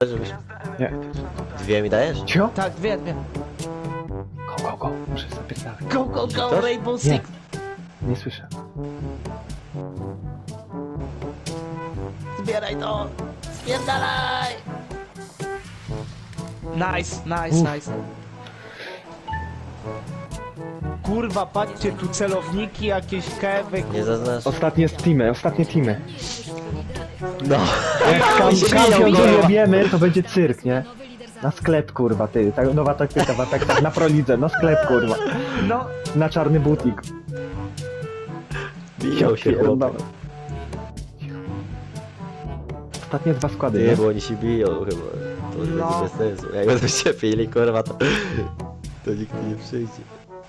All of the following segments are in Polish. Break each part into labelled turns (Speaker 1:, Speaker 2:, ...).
Speaker 1: Żebyś...
Speaker 2: Nie.
Speaker 1: Dwie mi dajesz?
Speaker 2: Cio?
Speaker 3: Tak, dwie.
Speaker 2: Go. Muszę zapierdalać.
Speaker 3: Go,
Speaker 1: Ktoś?
Speaker 3: Rainbow
Speaker 2: Nie.
Speaker 3: Six.
Speaker 2: Nie słyszę.
Speaker 3: Zbieraj to. Spierdalaj. Nice. Kurwa, patrzcie, tu celowniki, jakieś kewy,
Speaker 1: Nie zaznacz.
Speaker 2: Ostatnie teamy.
Speaker 1: No.
Speaker 2: Jak
Speaker 1: się
Speaker 2: kampion
Speaker 1: biją,
Speaker 2: tu
Speaker 1: kurwa.
Speaker 2: nie wiemy, to będzie cyrk, nie? Na sklep, kurwa, ty. Ta nowa taktyka, tak, na prolidze, na sklep, kurwa.
Speaker 3: No,
Speaker 2: Na czarny butik.
Speaker 1: Biją się chłopy.
Speaker 2: Pierdolę. Ostatnie dwa składy,
Speaker 1: Nie,
Speaker 2: nie?
Speaker 1: bo oni się biją chyba. To już
Speaker 3: No.
Speaker 1: będzie bez sensu. Jak będą się pili, kurwa, to nikt tu nie przyjdzie.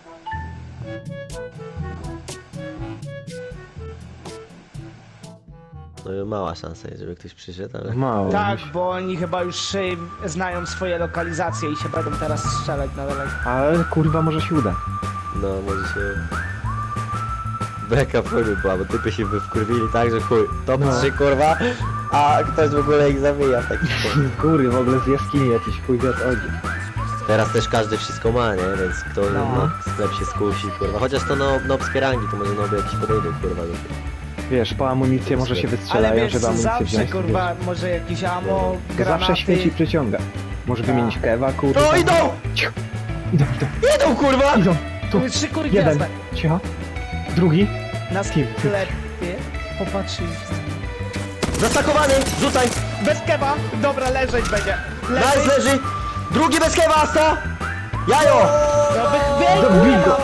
Speaker 1: No i mała szansa jest, żeby ktoś przyszedł, ale...
Speaker 2: Mało.
Speaker 3: tak, bo oni chyba już znają swoje lokalizacje i się będą teraz strzelać na daleko.
Speaker 2: Ale kurwa może się uda.
Speaker 1: No, może się... Beka w chuj by była, bo typy się by wkurwili tak, że chuj. Top
Speaker 2: No.
Speaker 1: 3 kurwa, a ktoś w ogóle ich zabija w taki sposób.
Speaker 2: Góry w ogóle z jaskini jakiś chuj wie o co chodzi.
Speaker 1: Teraz też każdy wszystko ma, nie? Więc kto
Speaker 3: No.
Speaker 1: sklep się skusi, kurwa. Chociaż to nobskie rangi, to może noby jakiś podejdą, kurwa.
Speaker 2: Wiesz, po amunicję może się
Speaker 3: Ale
Speaker 2: wystrzelają,
Speaker 3: wiesz,
Speaker 2: żeby amunicję
Speaker 3: zawsze
Speaker 2: wziąć.
Speaker 3: kurwa, może jakieś ammo,
Speaker 2: To
Speaker 3: granaty.
Speaker 2: zawsze świeci i przyciąga. Może
Speaker 3: Tak.
Speaker 2: wymienić kewa, kurwa.
Speaker 1: No idą!
Speaker 2: Idą!
Speaker 1: Idą, kurwa!
Speaker 2: Idą! Tu!
Speaker 3: Tu trzy kurki
Speaker 2: Jeden!
Speaker 3: jasne.
Speaker 2: Cicho! Drugi!
Speaker 3: Na
Speaker 2: Kim?
Speaker 3: sklepie. Popatrzysz.
Speaker 1: Zastakowany! Rzucaj!
Speaker 3: Bez keba! Dobra, leżeć będzie.
Speaker 1: Nice, leży! Drugi bez kewa, Asta! Jajo!
Speaker 2: Dobij go!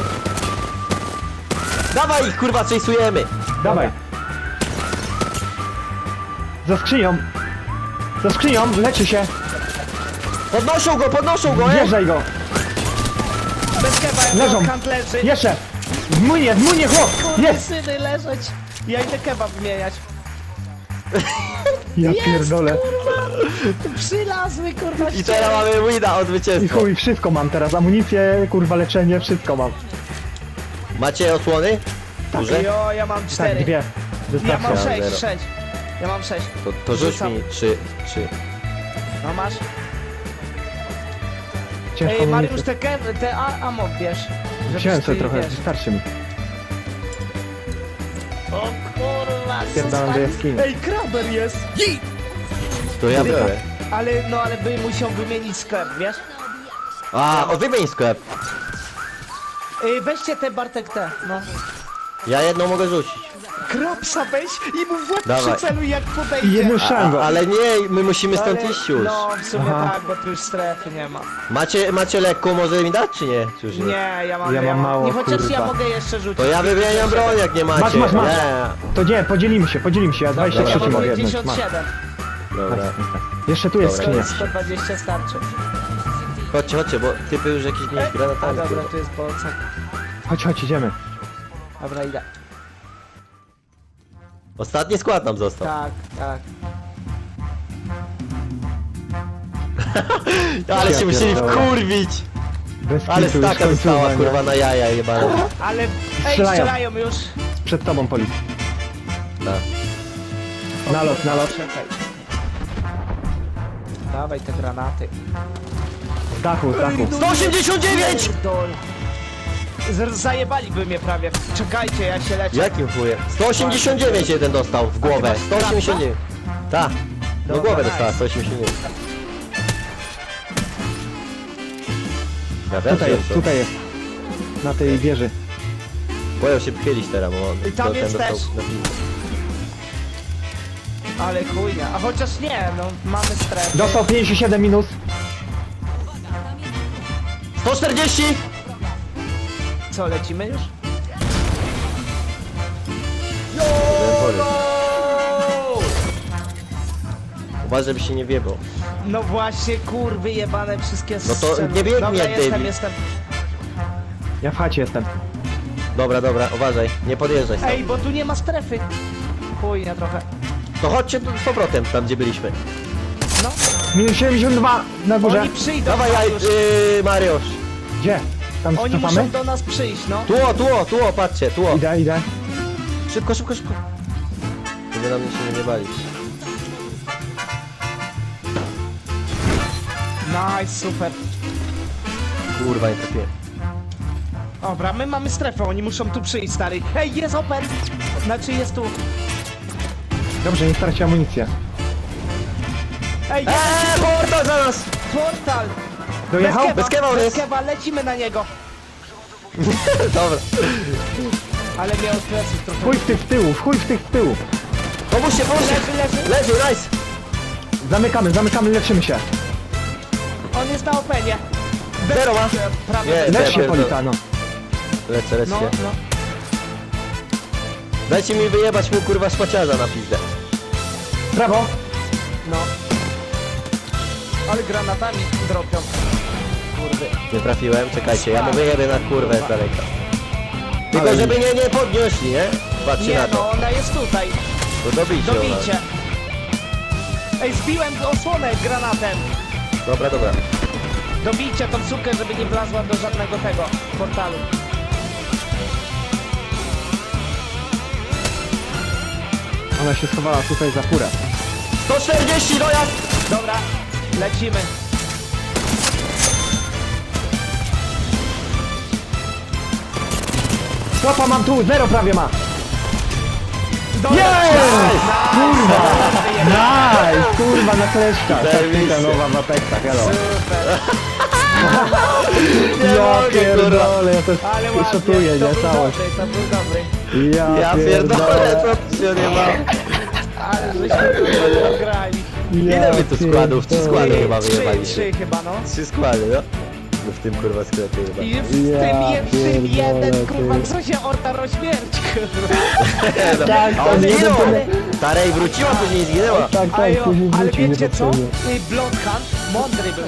Speaker 1: Dawaj ich, kurwa, chase'ujemy!
Speaker 2: Dawaj! Za skrzynią! Za skrzynią! Leczy się!
Speaker 1: Podnoszą go,
Speaker 2: Wjeżdżaj go!
Speaker 3: Bez keba,
Speaker 2: Leżą.
Speaker 3: jak kant leży.
Speaker 2: Jeszcze! W młynie chłop! Jest!
Speaker 3: Syny leżeć. Ja idę kebab wymieniać.
Speaker 2: Ja
Speaker 3: Jest,
Speaker 2: pierdolę!
Speaker 3: Przylazły, kurwa,
Speaker 1: I teraz mamy wina od
Speaker 2: I
Speaker 1: zwycięstwa.
Speaker 2: chuj, wszystko mam teraz. Amunicję, kurwa, leczenie, wszystko mam.
Speaker 1: Macie osłony? Duże?
Speaker 3: Jo, ja mam
Speaker 2: Tak,
Speaker 3: 4.
Speaker 2: dwie.
Speaker 3: Ja
Speaker 2: Wystarczy.
Speaker 3: mam
Speaker 1: Ja
Speaker 3: 6,
Speaker 1: zero.
Speaker 3: 6. Ja mam 6.
Speaker 1: To rzuć
Speaker 3: Rzucam.
Speaker 1: mi 3.
Speaker 3: No masz?
Speaker 2: Ciężko
Speaker 3: Ej, Mariusz,
Speaker 2: amunicję.
Speaker 3: te ammo bierz. żebyś
Speaker 2: Wziąłem
Speaker 3: ty,
Speaker 2: sobie trochę,
Speaker 3: wiesz.
Speaker 2: wystarczy mi.
Speaker 3: O kurwa,
Speaker 2: Spierdalam do jaskini.
Speaker 3: Ej, kraber jest!
Speaker 1: To ja biorę.
Speaker 3: Ale by musiał wymienić sklep, wiesz?
Speaker 1: Wymień sklep.
Speaker 3: Ej, weźcie te Bartek te, no.
Speaker 1: Ja jedną mogę rzucić.
Speaker 3: Krapsa weź i mu w łeb
Speaker 1: Dawaj.
Speaker 3: przyceluj jak
Speaker 2: I
Speaker 3: podejdzie.
Speaker 2: jedną szangą.
Speaker 1: Ale nie, my musimy stąd
Speaker 3: Ale-
Speaker 1: iść już.
Speaker 3: No, w sumie
Speaker 2: Aha.
Speaker 3: tak, bo tu już strefy nie ma.
Speaker 1: Macie lekko, może mi dać, czy nie? Czy już nie?
Speaker 3: Nie, ja mam,
Speaker 2: Ja mam mało,
Speaker 3: nie, chociaż ja
Speaker 2: kurwa.
Speaker 3: mogę jeszcze rzucić.
Speaker 1: To ja wymieniam broń, jak nie macie.
Speaker 2: Masz.
Speaker 1: Nie.
Speaker 2: To nie, podzielimy się, ja 23
Speaker 3: Ja mam
Speaker 2: mogę jednąć.
Speaker 3: 57.
Speaker 1: Dobra.
Speaker 2: Jeszcze tu jest
Speaker 1: Dobra.
Speaker 2: skrzynia.
Speaker 3: 120 starczy.
Speaker 1: Chodźcie, bo typy już jakieś nie
Speaker 3: A
Speaker 1: granatami.
Speaker 3: dobra,
Speaker 1: kurwa.
Speaker 3: tu jest bolcek.
Speaker 2: Chodź, idziemy.
Speaker 3: Dobra, idę.
Speaker 1: Ostatni skład nam został.
Speaker 3: Tak.
Speaker 1: Ale
Speaker 2: Ja
Speaker 1: się musieli
Speaker 2: pierdolę.
Speaker 1: wkurwić.
Speaker 2: Bez
Speaker 1: Ale
Speaker 2: kitu, już
Speaker 1: staka została,
Speaker 2: końcówka,
Speaker 1: kurwa,
Speaker 2: nie?
Speaker 1: na jaja jebane.
Speaker 3: Ale, ej,
Speaker 2: Strzelają.
Speaker 3: już.
Speaker 2: Przed tobą policja.
Speaker 1: Tak.
Speaker 2: Nalot.
Speaker 3: Czekaj. Dawaj te granaty.
Speaker 2: Z dachu.
Speaker 1: 189!
Speaker 3: Dol. Zajebaliby mnie prawie. Czekajcie, ja się leczę.
Speaker 1: Jakim chujem? 189 jeden dostał w głowę.
Speaker 3: masz
Speaker 1: 189. Tak. No
Speaker 3: Dobra,
Speaker 1: głowę
Speaker 3: nice.
Speaker 1: dostała 189. Ja wiem,
Speaker 2: Tutaj
Speaker 1: że
Speaker 2: jest,
Speaker 1: to-
Speaker 2: tutaj jest. Na tej wieży.
Speaker 1: Boją się pychylić teraz, bo on
Speaker 3: I tam
Speaker 1: ten
Speaker 3: jest
Speaker 1: dostał
Speaker 3: też.
Speaker 1: na piwo.
Speaker 3: Ale chujnia. A chociaż nie, no mamy strefę.
Speaker 2: Dostał 57 minus.
Speaker 1: 140!
Speaker 3: Co, lecimy już?
Speaker 1: Uważaj, żeby się nie wiebał.
Speaker 3: No właśnie, kurwy jebane wszystkie
Speaker 1: No to
Speaker 3: sceny.
Speaker 1: nie biegnie,
Speaker 3: Dobra,
Speaker 1: David.
Speaker 3: jestem.
Speaker 2: Ja w chacie jestem.
Speaker 1: Dobra, uważaj, nie podjeżdżaj stąd.
Speaker 3: Ej, bo tu nie ma strefy. Chujnia trochę.
Speaker 1: To chodźcie tu z powrotem, tam gdzie byliśmy.
Speaker 3: No,
Speaker 2: Minus 72 na górze.
Speaker 3: oni przyjdą.
Speaker 1: Dawaj,
Speaker 3: Mariusz.
Speaker 1: Mariusz.
Speaker 2: Gdzie? Tam
Speaker 3: Oni
Speaker 2: cofamy?
Speaker 3: muszą do nas przyjść, no.
Speaker 1: Tuo, patrzcie, tuo.
Speaker 2: Idę.
Speaker 1: Szybko. Żeby nam się nie bali.
Speaker 3: Nice, super.
Speaker 1: Kurwa, nie trafiłem.
Speaker 3: Dobra, my mamy strefę, oni muszą tu przyjść, stary. Ej, jest open! Znaczy jest tu.
Speaker 2: Dobrze, nie straci amunicję.
Speaker 3: Ej,
Speaker 1: Portal za nas!
Speaker 3: portal!
Speaker 2: Dojechał?
Speaker 1: Bez kewa on
Speaker 3: bez
Speaker 1: jest.
Speaker 3: kewa, lecimy na niego.
Speaker 1: Dobra.
Speaker 3: Ale miał pleców trochę.
Speaker 2: Chuj w tych z tyłu, chuj w tych z tyłu.
Speaker 1: Pomóżcie, pomóżcie!
Speaker 3: Leży.
Speaker 1: Leży, nice!
Speaker 2: Zamykamy, leczymy się.
Speaker 3: On jest na openie.
Speaker 1: Zero ma!
Speaker 3: Prawie.
Speaker 1: Nie,
Speaker 2: Lecz się,
Speaker 1: pierdolę.
Speaker 2: Politano.
Speaker 1: Lecę
Speaker 3: No,
Speaker 1: się.
Speaker 3: no.
Speaker 1: Dajcie mi wyjebać mu kurwa szpaciarza na pizdę.
Speaker 2: Brawo.
Speaker 3: No. Ale granatami dropią. Kurde.
Speaker 1: Nie trafiłem, czekajcie, ja mu wyjebię na kurwę z daleka. Tylko
Speaker 2: Ale
Speaker 1: żeby nie podnieśli, nie? Patrzcie
Speaker 3: Nie
Speaker 1: na to.
Speaker 3: no, ona jest tutaj.
Speaker 1: To dobijcie ją.
Speaker 3: Dobijcie. Ej, zbiłem osłonę granatem.
Speaker 1: Dobra, dobra.
Speaker 3: Dobijcie tą sukę, żeby nie wlazła do żadnego tego portalu.
Speaker 2: Ona się schowała tutaj za furę.
Speaker 1: 140 dojazd!
Speaker 3: Dobra, lecimy.
Speaker 2: Stopa mam tu, zero prawie ma.
Speaker 3: Dobra.
Speaker 2: Kurwa! Nice! Kurwa na kleszcza.
Speaker 1: Zajebiście.
Speaker 2: Taktyka nowa w Apexach, hello.
Speaker 3: Super.
Speaker 1: Nie
Speaker 2: Ja
Speaker 1: mogę,
Speaker 2: pierdolę, ja też
Speaker 3: Ale ładnie,
Speaker 2: szotuję,
Speaker 3: to
Speaker 2: nie?
Speaker 3: był
Speaker 2: Całość.
Speaker 3: dobry, to był dobry.
Speaker 1: Ja pierdolę, co tu się nie ma.
Speaker 3: Ale żeśmy to grali.
Speaker 1: Ile my tu składów? 3 składy chyba
Speaker 3: Trzy
Speaker 1: wyjebaliśmy.
Speaker 3: chyba, no.
Speaker 1: 3 składy, no? No w tym kurwa sklepie chyba.
Speaker 3: I w
Speaker 2: Ja
Speaker 3: tym jeden,
Speaker 2: pierdolę,
Speaker 3: kurwa,
Speaker 2: ty.
Speaker 3: co się orta śmierć, kurwa.
Speaker 2: Tak,
Speaker 1: A on
Speaker 2: to
Speaker 1: zginął!
Speaker 2: jeden
Speaker 1: Tarej wróciła, później zginęła.
Speaker 2: Tak,
Speaker 3: A
Speaker 2: tak,
Speaker 3: jo,
Speaker 2: później
Speaker 3: ale
Speaker 2: wrócił
Speaker 3: wiecie co?
Speaker 2: niepotrzebnie.
Speaker 3: Bloodhunt mądry był.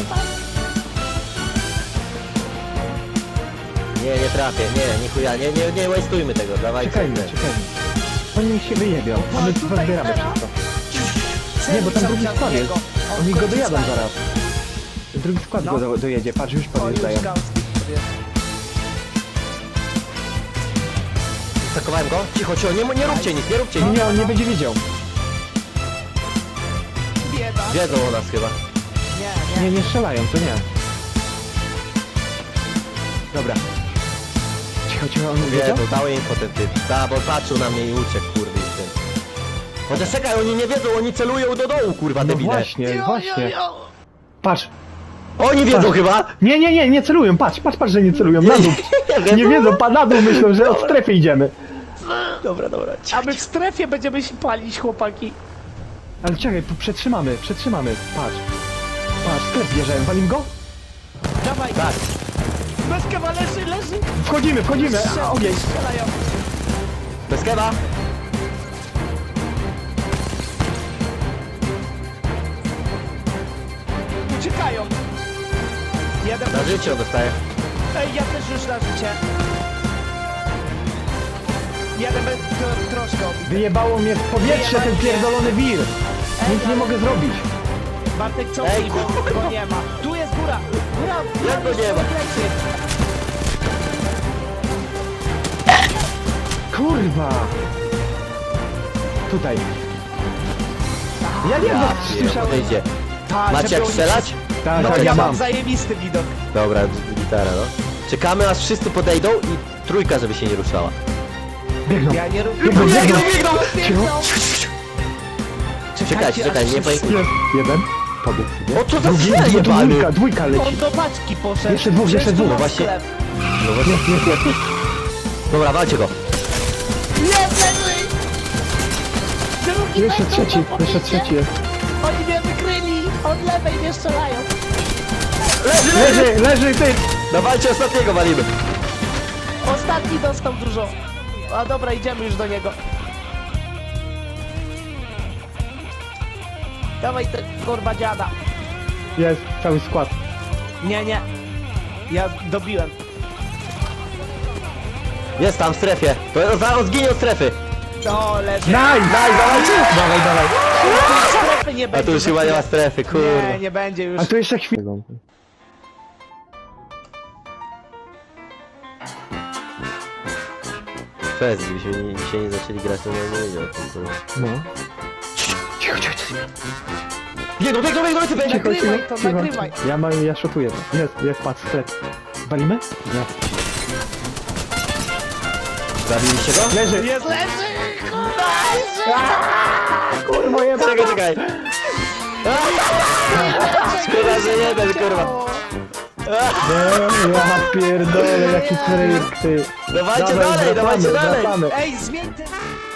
Speaker 1: Nie trafię, nie chuja, nie wastujmy tego, dawajcie.
Speaker 2: Czekajmy. Oni niech się wyjebią, a my tu zbieramy wszystko. Nie, bo tam drugi skład jest. Oni go dojadą zaraz. Drugi skład
Speaker 3: No.
Speaker 2: go dojedzie, patrz, już podjeżdżają.
Speaker 1: Stakowałem go? Cicho, nie róbcie nic, nie róbcie nic.
Speaker 2: Nie, on nie będzie widział.
Speaker 3: Bieda.
Speaker 1: Wiedzą o nas chyba.
Speaker 3: Nie.
Speaker 2: Nie strzelają, to nie. Dobra. Cicho, on wiedział?
Speaker 1: Wiedzą, dały info ten typ. Da, bo patrzył na mnie i uciekł, kurwa, i ten. Chociaż czekaj, oni nie wiedzą, oni celują do dołu, kurwa,
Speaker 2: No
Speaker 1: debile.
Speaker 2: właśnie. Patrz.
Speaker 1: Oni wiedzą chyba!
Speaker 2: Nie celują, patrz, że nie celują, na dół. Nie wiedzą, na dół myślą, że od strefy idziemy.
Speaker 1: Dobra.
Speaker 3: A my w strefie będziemy się palić, chłopaki.
Speaker 2: Ale czekaj, tu przetrzymamy, patrz. Patrz, sklep bierzemy, walim go?
Speaker 3: Dawaj.
Speaker 1: Tak.
Speaker 3: Bezkawa leży.
Speaker 2: Wchodzimy, a ogień.
Speaker 3: Strzelają.
Speaker 1: Bez kewa.
Speaker 3: Uciekają. Jeden
Speaker 1: Na życie on dostaje.
Speaker 3: Ej, ja też już na życie. Jeden bez troszkę.
Speaker 2: Wyjebało mnie w powietrze ten pierdolony wir. Nic nie mogę zrobić.
Speaker 3: Bartek, co
Speaker 1: Ej,
Speaker 3: go nie ma. Tu jest góra.
Speaker 1: Jak go nie ma?
Speaker 2: Kurwa! Tutaj. Ja nie wiem, słyszałem.
Speaker 1: Podejdzie.
Speaker 3: Tak,
Speaker 1: Macie jak strzelać?
Speaker 2: Tak,
Speaker 1: No
Speaker 2: tak,
Speaker 1: to
Speaker 2: ja
Speaker 3: Ja mam
Speaker 2: mam.
Speaker 3: zajebisty widok.
Speaker 1: Dobra, gitara, no. Czekamy aż wszyscy podejdą i trójka, żeby się nie ruszała.
Speaker 2: Biegną.
Speaker 3: Ja nie robię.
Speaker 2: Biegną.
Speaker 1: Czekajcie, nie pamiętam.
Speaker 2: Jest jeden. Pobiegł sobie.
Speaker 1: O, co za
Speaker 2: Drugi,
Speaker 1: cel jebany?
Speaker 2: dwójka leci.
Speaker 3: On do paczki poszedł.
Speaker 2: Jeszcze dwóch.
Speaker 1: No właśnie. No właśnie.
Speaker 2: Jest.
Speaker 1: Dobra, walcie go.
Speaker 2: Jeszcze trzeci jest.
Speaker 3: Oni mnie wykryli. Od lewej mnie strzelają.
Speaker 2: Leży, ty!
Speaker 1: Dawajcie ostatniego, walimy.
Speaker 3: Ostatni dostał dużo. A dobra, idziemy już do niego. Dawaj ten kurwa dziada.
Speaker 2: Jest, cały skład.
Speaker 3: Nie. Ja dobiłem.
Speaker 1: Jest tam w strefie. To zaraz zginie od strefy.
Speaker 3: O, leży.
Speaker 2: Nice, dawajcie! Dawaj.
Speaker 3: Strefy nie
Speaker 1: A
Speaker 3: będzie.
Speaker 1: tu już chyba nie ma strefy, kurwa.
Speaker 3: Nie będzie już.
Speaker 2: A tu jeszcze chwilę.
Speaker 1: Fez, gdybyśmy dzisiaj nie zaczęli grać, to nie wiedział o tym, kurwa.
Speaker 2: No. Cicho.
Speaker 1: Biegną, typy!
Speaker 2: Cicho,
Speaker 3: Nagrywaj
Speaker 2: cicho,
Speaker 3: to,
Speaker 2: cicho.
Speaker 3: nagrywaj.
Speaker 2: Ja szotuję. Jest, patrz, sklep. Walimy? Nie.
Speaker 1: Zabiliście go?
Speaker 2: Leży!
Speaker 3: Jest leży!
Speaker 2: Kurwa, jeba!
Speaker 1: Czekaj! Szkoda, że jeden, kurwa.
Speaker 2: Ja pierdolę, jaki freak, ty.
Speaker 1: Dawajcie
Speaker 2: Dawaj,
Speaker 1: dalej, dawajcie
Speaker 2: wracamy,
Speaker 1: dalej!
Speaker 2: wracamy.
Speaker 3: Ej, zmień ten...